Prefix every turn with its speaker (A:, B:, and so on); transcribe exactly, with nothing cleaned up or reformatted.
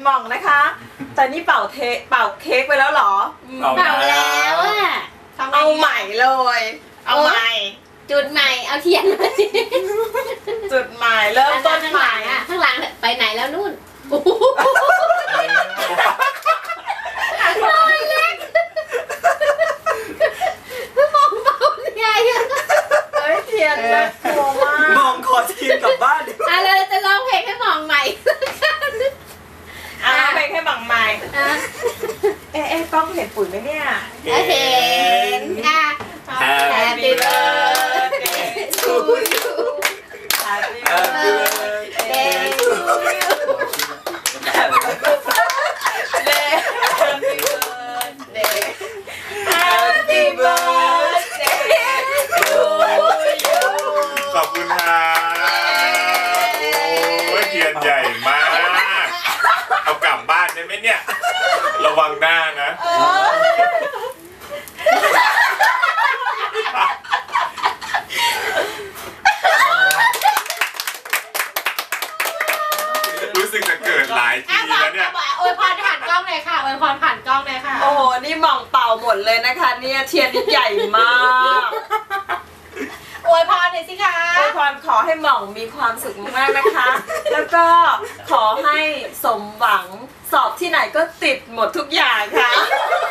A: หม่องนะคะแต่นี่เป่าเทเป่าเค้กไปแล้วเหรอ
B: เป่าแล้วอะ
A: เอาใหม่เลยเอาใหม่
B: จุดใหม่เอาเทียนมา
A: จุดใหม่เริ่มต้นใหม่
B: อะข้างหลังไปไหนแล้วนู่นน้อยเล็กมองเบาใหญ่
A: เฮ้ยเทียนน่ากลัวมาก
C: มองขอทีมกลับบ้านดิ
B: อ่ะเราจะร้องเพลงให้มองใหม่
A: อ่ะเพลงให้หม่องใหม่เอ๊ะเอ๊ะกล้องเห็นปุ๋ยไหมเนี่ย
B: เห็นอ่ะ Happy birthday to you
A: Happy
C: birthday
A: to you Happy birthday Happy birthday to you
D: ขอบคุณครับโอ้ยเทียนใหญ่มากเอากลับบ้านได้ไหมเนี่ยระวังหน้านะรู้สึกจะเกิดหลายทีแล้วเนี่ย
B: อวยพรผ่านกล้องเลยค่ะอวยพรผ่านกล้องเลยค่ะ
A: โอ้โหนี่หม่องเป่าหมดเลยนะคะเนี่ยเทียนใหญ่มาก
B: อวยพรหน่อยสิคะ
A: อวยพรขอให้หม่องมีความสุขมากนะคะ แล้วก็ขอให้สมหวังสอบที่ไหนก็ติดหมดทุกอย่างค่ะ